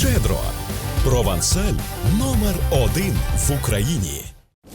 Щедро. Провансаль номер 1 в Україні.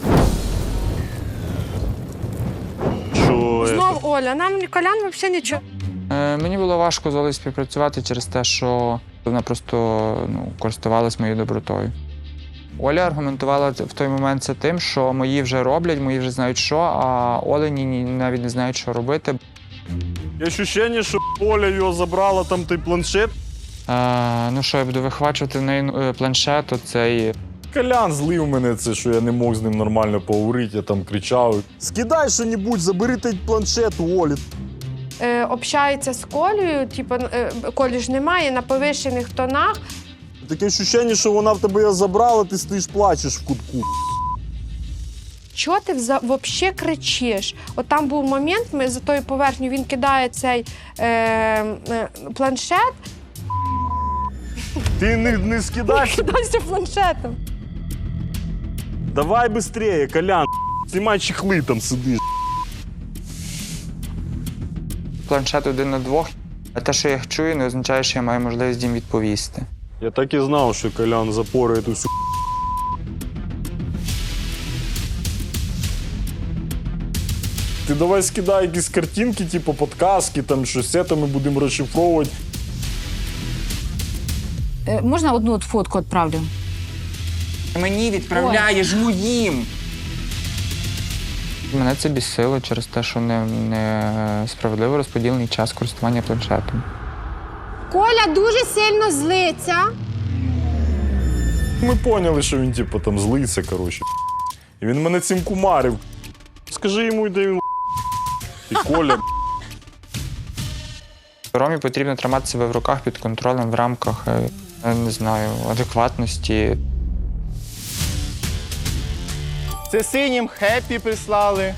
Знов Оля, нам Колян взагалі нічого. Мені було важко з Олею співпрацювати через те, що вона просто користувалась моєю добротою. Оля аргументувала в той момент це тим, що мої вже роблять, мої вже знають що, а Олені навіть не знають, що робити. Є відчуття, що Оля його забрала, там той планшет. Ну що, я буду вихвачувати в неї планшет, то цей... Колян злив мене це, що я не мог з ним нормально поговорити, я там кричав. Скидай що-небудь, забери той планшет у Олі. Общається з Колею, типу, Колі ж немає, на повищених тонах. Таке відчуття, що вона в тебе його забрала, ти стоїш, плачеш в кутку. Чого ти взагалі кричиш? От там був момент, ми за тою поверхню, він кидає цей планшет. Ти не скидай. Кидайся планшетом. Давай швидше, Колян. Знімай чехли, там сидиш. Планшет 1 на 2. А те, що я їх чую, не означає, що я маю можливість їм відповісти. Я так і знав, що Колян запорує ту всю. Ти давай скидай якісь картинки, типу подказки, там щось це, ми будемо розшифровувати. Можна одну от фотку відправлю? Мені відправляєш моїм! Мене це бісило через те, що не справедливо розподілений час користування планшетом. Коля дуже сильно злиться. Ми поняли, що він типу там злиться, коротше. І він мене цим кумарив. Скажи йому, де він і Коля. Ромі потрібно тримати себе в руках під контролем в рамках, не знаю, адекватності. Це синім хеппі прислали.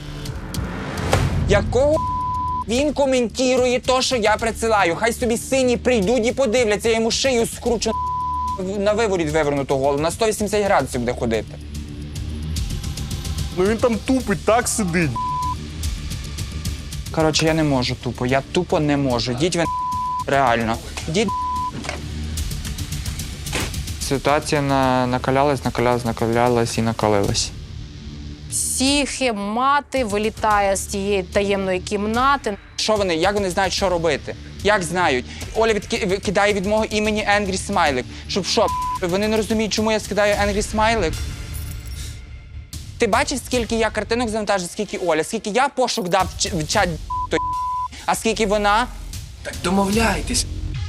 Якого він коментує те, що я присилаю? Хай собі сині прийдуть і подивляться, я йому шию скручу на виворіт вивернуту голову, на 180 градусів буде ходити. Ну він там тупить, так сидить. Коротше, я не можу тупо, я тупо не можу. Діть ви реально. Діть. Ситуація накалялась і накалилась. Мати вилітає з тієї таємної кімнати. Що вони, як вони знають, що робити? Як знають? Оля кидає від мого імені Angry Смайлик. Щоб що, вони не розуміють, чому я скидаю Angry Смайлик? Ти бачиш, скільки я картинок завантажив, скільки Оля, скільки я пошук дав в чат, а скільки вона? Так домовляйтесь.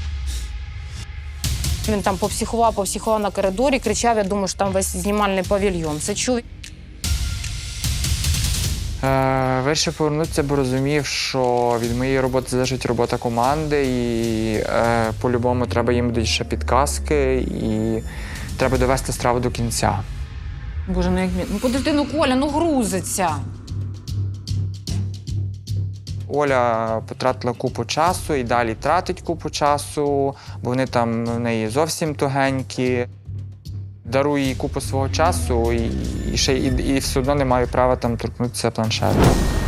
Він там попсихував на коридорі, кричав, я думаю, що там весь знімальний павільйон. Це чув. Вирішив повернутися, бо розумів, що від моєї роботи залежить робота команди, і по-любому треба їм будуть ще підказки, і треба довести страву до кінця. Боже, ну як мені. Ну подожди, Коля, грузиться. Оля потратила купу часу і далі тратить купу часу, бо вони там в неї зовсім тугенькі. Дарую їй купу свого часу і все одно не маю права там торкнутися планшету.